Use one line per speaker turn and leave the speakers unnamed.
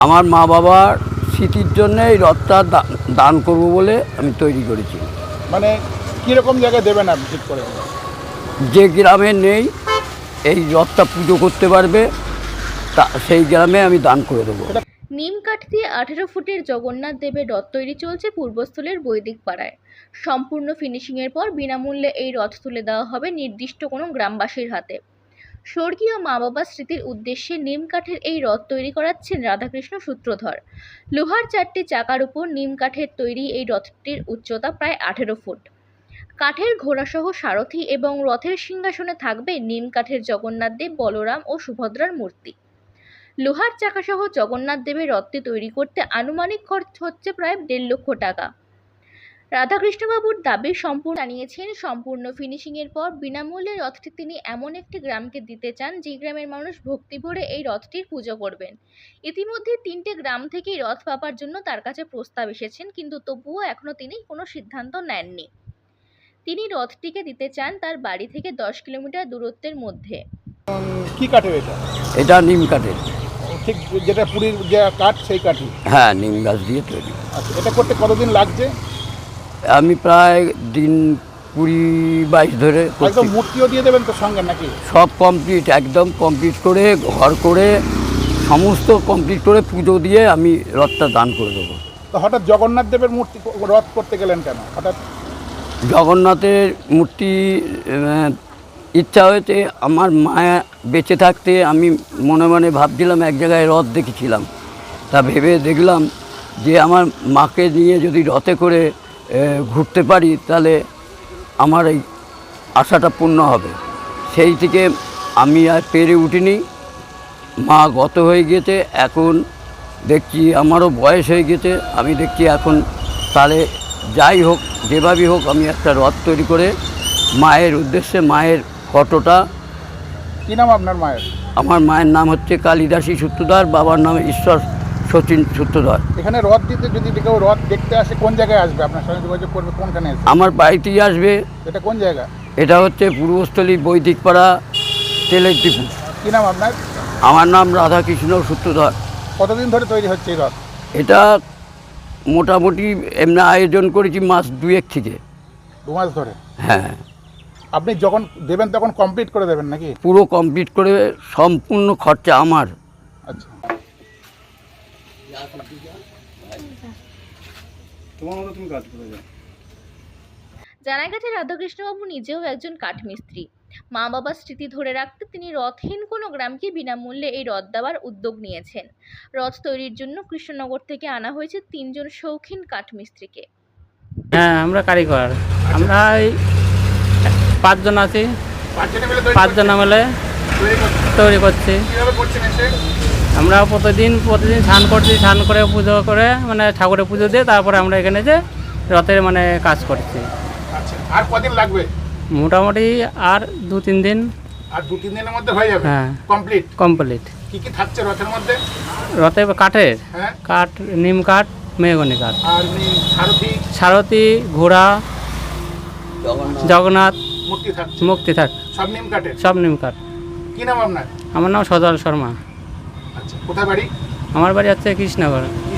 আমার মা বাবার স্মৃতির জন্য এই রথটা দান করব বলে আমি তৈরি করেছি।
মানে কীরকম জায়গায় দেবেন আপনি ঠিক করে?
যে গ্রামে নেই এই রথটা পুজো করতে পারবে তা সেই গ্রামে আমি দান করে দেবো।
নিম কাঠ দিয়ে 18 ফুটের জগন্নাথ দেবের রথ তৈরি চলছে পূর্বস্থলের বৈদিক পাড়ায়। সম্পূর্ণ ফিনিশিংয়ের পর বিনামূল্যে এই রথ তুলে দেওয়া হবে নির্দিষ্ট কোনো গ্রামবাসীর হাতে। স্বর্গীয় মা বাবার স্মৃতির উদ্দেশ্যে নিম কাঠের এই রথ তৈরি করাচ্ছেন রাধাকৃষ্ণ সূত্রধর। লোহার 4টি চাকার উপর নিম কাঠের তৈরি এই রথটির উচ্চতা প্রায় 18 ফুট। কাঠের ঘোড়াসহ সারথি এবং রথের সিংহাসনে থাকবে নিম কাঠের জগন্নাথ দেব, বলরাম ও সুভদ্রার মূর্তি। লোহার চাকাসহ জগন্নাথ দেবের রথটি তৈরি করতে আনুমানিক খরচ হচ্ছে প্রায় 1.5 লক্ষ টাকা। রাধাকৃষ্ণবাবুর দাবি জানিয়েছেন সম্পূর্ণ ফিনিশিংয়ের পর বিনামূল্যে রথটি তিনি এমন একটি গ্রামকে দিতে চান যে গ্রামের মানুষ ভক্তি ভরে এই রথটির পুজো করবেন। ইতিমধ্যে 3টে গ্রাম থেকেই রথ পাবার জন্য তার কাছে প্রস্তাব এসেছেন, কিন্তু তবুও এখনও তিনি কোনো সিদ্ধান্ত নেননি। তিনি রথটিকে দিতে চান তার বাড়ি থেকে 10 কিলোমিটার দূরত্বের মধ্যে।
কি কাঠের এটা?
এটা নিম কাঠের।
ঠিক যেটা পুরীর যে কাঠ সেই কাঠই?
হ্যাঁ, নিম গাছ দিয়ে তৈরি।
আচ্ছা, এটা করতে কতদিন লাগছে?
আমি প্রায় দিন 20-22 ধরে
একদম মূর্তিও দিয়ে দেবেন তো সঙ্গে নাকি?
সব কমপ্লিট, একদম কমপ্লিট করে ঘর করে সমস্ত কমপ্লিট করে পুজো দিয়ে আমি রথটা দান করে দেবো।
তো হঠাৎ জগন্নাথ দেবের মূর্তি রথ করতে গেলেন কেন হঠাৎ?
জগন্নাথের মূর্তি ইচ্ছা হয়েছে। আমার মায়া বেঁচে থাকতে আমি মনে মনে ভাবছিলাম, এক জায়গায় রথ দেখেছিলাম, তা ভেবে দেখলাম যে আমার মাকে নিয়ে যদি রথে করে ঘুরতে পারি তাহলে আমার এই আশাটা পূর্ণ হবে। সেই থেকে আমি আর পেরে উঠিনি। মা গত হয়ে গিয়েছে, এখন দেখছি আমারও বয়স হয়ে গেছে। আমি দেখছি এখন তাহলে যাই হোক, যেভাবেই হোক, আমি একটা রথ তৈরি করে মায়ের উদ্দেশ্যে, মায়ের ফটোটা।
কী নাম আপনার মায়ের?
আমার মায়ের নাম হচ্ছে কালিদাসী সূত্রধর, বাবার নাম ঈশ্বর সচিন সূত্রধর।
এখানে রথ দিতে যদি কেউ রথ দেখতে আসে কোন জায়গায় আসবে? আপনার সঙ্গে যোগাযোগ করবে কোনখানে আসবে?
আমার বাড়িতেই আসবে।
এটা কোন জায়গা?
এটা হচ্ছে পূর্বস্থলী বৈদিক পাড়া, তেলের ডিপু।
কী নাম আপনার?
আমার নাম রাধাকৃষ্ণ সূত্রধর।
কতদিন ধরে তৈরি হচ্ছে এই রথ?
এটা মোটামুটি এমনি আয়োজন করেছি মাস 2 থেকে।
2 মাস ধরে?
হ্যাঁ।
আপনি যখন দেবেন তখন কমপ্লিট করে দেবেন নাকি?
পুরো কমপ্লিট করে, সম্পূর্ণ খরচা আমার।
আচ্ছা, তোমার মতো তুমি কাজ করে যাও।
জানা গেছে রাধাকৃষ্ণবাবু নিজেও একজন কাঠমিস্ত্রি। মা বাবার স্মৃতি ধরে রাখতে তিনি রথহীন কোনো গ্রামকে বিনামূল্যে এই রথ দেওয়ার উদ্যোগ নিয়েছেন। রথ তৈরির জন্য কৃষ্ণনগর থেকে আনা হয়েছে 3 জন শৌখিন কাঠমিস্ত্রিকে।
হ্যাঁ, আমরা কারিগর। আমরা এই 5 জন আছি। 5 জন মিলে তৈরি করছি। আমরা প্রতিদিন স্নান করছি, স্নান করে পুজো করে মানে ঠাকুরের পুজো দিয়ে তারপরে আমরা এখানে যে রথের মানে কাজ করছি।
আচ্ছা, আর কদিন লাগবে?
মোটামুটি আর 2-3 দিন।
আর 2-3 দিনের মধ্যে হয়ে যাবে?
হ্যাঁ,
কমপ্লিট।
কি
কি থাকছে রথের মধ্যে?
রথে কাঠের,
হ্যাঁ,
কাঠ, নিম কাঠ, মেহগনি কাঠ,
আর
সারথি, ঘোড়া, জগন্নাথ
মূর্তি
থাক,
সব নিম কাঠের?
সব নিম কাঠ।
কি নাম আপনার?
আমার নাম সজল শর্মা।
আচ্ছা, কোথায় বাড়ি?
আমার বাড়ি হচ্ছে কৃষ্ণনগর।